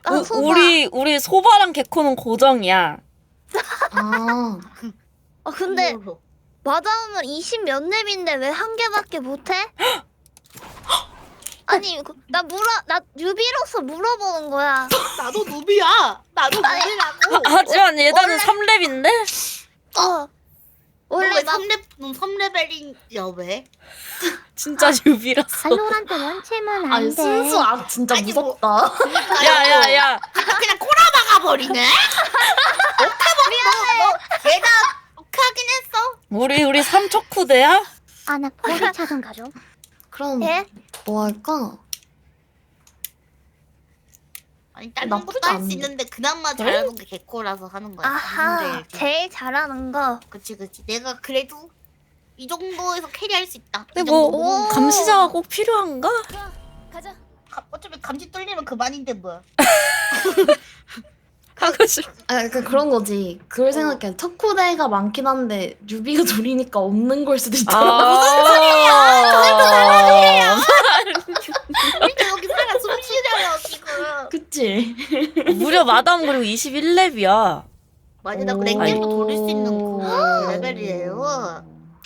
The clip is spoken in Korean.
소바. 우리 소바랑 개코는 고정이야. 아, 근데 맞아오면 20 몇 렙인데 왜 한 개밖에 못해? 아니 나 뉴비로서 물어보는 거야. 나도 누비야. 나도 아니, 누비라고. 하지만 예단은 원래- 3렙인데? 원래 왜 막 3레벨이야 왜? 진짜 뉴비라서. 발로란트 원체면 아니 안 돼. 순수 진짜 아니, 뭐- 무섭다. 야야야. 그냥 꼬라박아 버리네. 오케이 얘가 오케이 하긴 했어. 우리 3척후대야? 아, 나 포기 차선 가죠. 그럼 예? 뭐 할까? 아니 다른 나쁘지 것도 할 수 않은데. 있는데 그나마 잘하는 게 개코라서 하는 거야. 아하 근데 제일 잘하는 거. 그치. 내가 그래도 이 정도에서 캐리할 수 있다. 이 근데 정도 뭐 먹으면. 감시자가 꼭 필요한가? 어차피 감시 뚫리면 그만인데 뭐. 하고 싶. 그런 거지. 그걸 생각해. 척후대가 많긴 한데 뉴비가 둘이니까 없는 걸 수도 있잖아. 무슨 소리야? 우리가 여기 살아 숨 쉬려요 지금. 그치? 무려 마담 그리고 21렙이야. 맞아 나 오. 랭겜도 돌릴 수 있는 그 레벨이에요.